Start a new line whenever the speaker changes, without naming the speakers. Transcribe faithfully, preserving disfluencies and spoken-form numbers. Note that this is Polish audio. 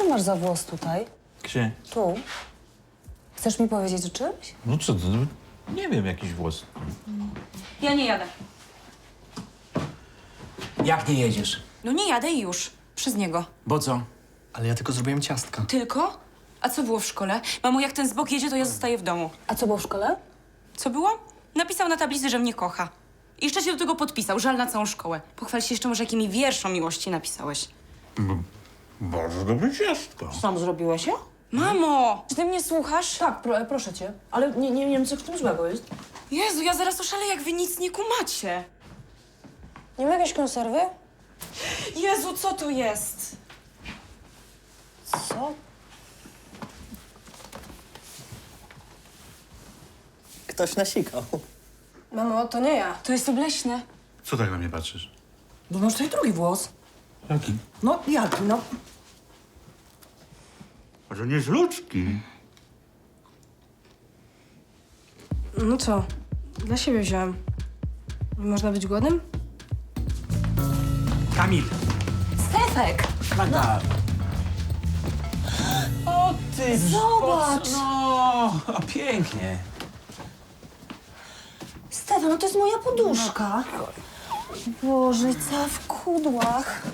ty masz za włos tutaj?
Gdzie?
Tu. Chcesz mi powiedzieć o czymś?
No co to? No, nie wiem, jakiś włos.
Ja nie jadę.
Jak nie jedziesz?
No nie jadę i już. Przez niego.
Bo co?
Ale ja tylko zrobiłem ciastka.
Tylko? A co było w szkole? Mamo, jak ten zbok jedzie, to ja zostaję w domu.
A co było w szkole?
Co było? Napisał na tablicy, że mnie kocha. I jeszcze się do tego podpisał. Żal na całą szkołę. Pochwal się jeszcze może, jakimi wiersz o miłości napisałeś.
Bardzo dobre ciastko.
Sam zrobiłeś je?
Mamo!
Czy ty mnie słuchasz? Tak, pro, proszę cię. Ale nie, nie wiem, co w tym złego jest.
Jezu, ja zaraz oszaleję, jak wy nic nie kumacie.
Nie ma jakiejś konserwy?
Jezu, co to jest?
Co?
Ktoś nasikał.
Mamo, to nie ja.
To jest obleśne.
Co tak na mnie patrzysz?
Bo masz tutaj drugi włos.
Jaki?
No, jaki, no?
A to nie jest ludzki.
No co? Dla siebie wziąłem. Nie można być głodnym?
Kamil!
Stefek!
Magda! O ty!
Zobacz!
No, o, pięknie.
Stefan, no to jest moja poduszka. Boże, cała w kudłach.